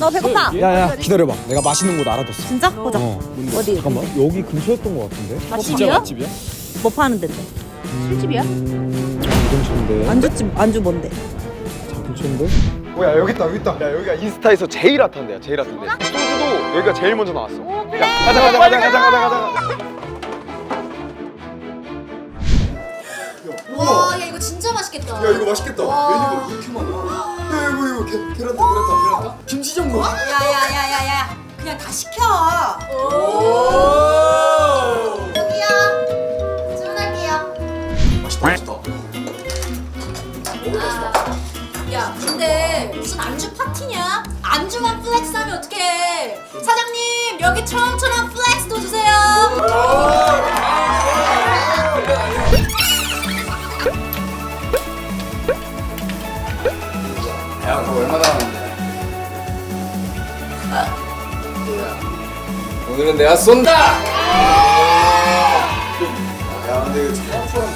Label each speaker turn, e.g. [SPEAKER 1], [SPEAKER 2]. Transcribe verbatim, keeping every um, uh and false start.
[SPEAKER 1] 너 배고파?
[SPEAKER 2] 야야 기다려봐. 내가 맛있는 곳 알아뒀어.
[SPEAKER 1] 진짜? 보자.
[SPEAKER 2] 어.
[SPEAKER 1] 어디?
[SPEAKER 2] 잠깐만 여기 근처였던 것 같은데.
[SPEAKER 1] 맛집이야?
[SPEAKER 2] 맛집이야?
[SPEAKER 1] 뭐 파는 데인데? 술집이야?
[SPEAKER 2] 음, 이 근처인데.
[SPEAKER 1] 안주집 안주 뭔데?
[SPEAKER 2] 자 근처인데. 뭐야 여기 있다 여기 있다. 야 여기가 인스타에서 제일 핫한 데야 제일 핫한 데. 소주도 여기가 제일 먼저 나왔어.
[SPEAKER 1] 오 그래.
[SPEAKER 2] 야 가자 가자 가자 가자 가자 가자.
[SPEAKER 3] 와, 야 이거 진짜 맛있겠다.
[SPEAKER 2] 야 이거 맛있겠다.
[SPEAKER 3] 와.
[SPEAKER 2] 메뉴가 이렇게 많아. 야 이거 이거 계, 계란탕 계란탕 계란탕. 김치전골.
[SPEAKER 3] 야야야야야, 그냥 다 시켜. 여기요. 주문할게요.
[SPEAKER 2] 맛있다 맛있다.
[SPEAKER 3] 아, 야, 근데 무슨 안주 파티냐? 안주만 플렉스하면 어떡해? 사장님, 여기 처음처럼 플렉스도 주세요.
[SPEAKER 4] 야, 그거 얼마 남았는데? 오늘은 내가 쏜다! 야, 근데 이거 처음처럼